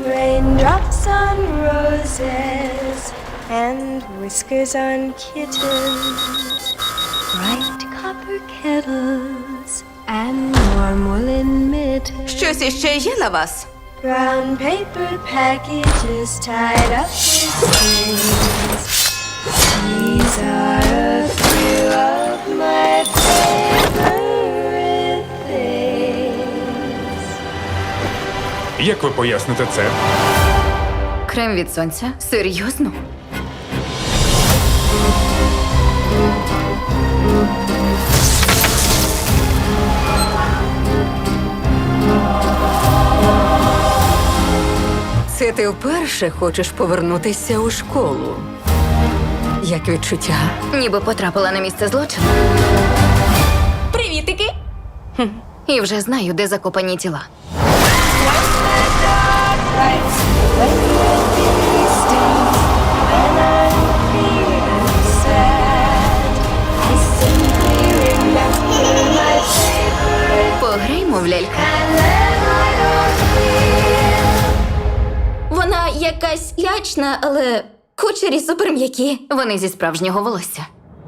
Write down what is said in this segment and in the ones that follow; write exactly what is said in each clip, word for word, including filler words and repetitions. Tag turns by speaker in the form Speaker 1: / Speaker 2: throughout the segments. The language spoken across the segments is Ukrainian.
Speaker 1: Raindrops on roses and whiskers on kittens, bright copper kettles and warm woolen mittens,
Speaker 2: Щось іще є на вас?
Speaker 1: brown paper packages tied up with strings. These are a few of my favorite things.
Speaker 3: Як ви поясните це?
Speaker 2: Крем від сонця? Серйозно?
Speaker 4: Це ти вперше хочеш повернутися у школу? Як відчуття?
Speaker 2: Ніби потрапила на місце злочину. Привітики! Хм. І вже знаю, де закопані тіла. Пограймо в лялька. Вона якась лячна, але кучері суперм'які. Вони зі справжнього волосся.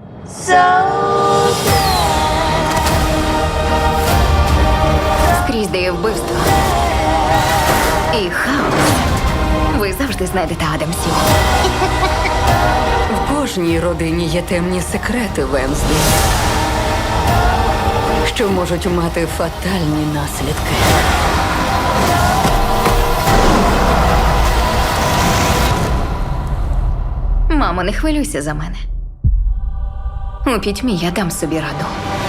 Speaker 2: Скрізь де є вбивство. І хаос. Ви завжди знайдете Адамсів.
Speaker 4: В кожній родині є темні секрети Венслі, що можуть мати фатальні наслідки.
Speaker 2: Мамо, не хвилюйся за мене. У пітьмі я дам собі раду.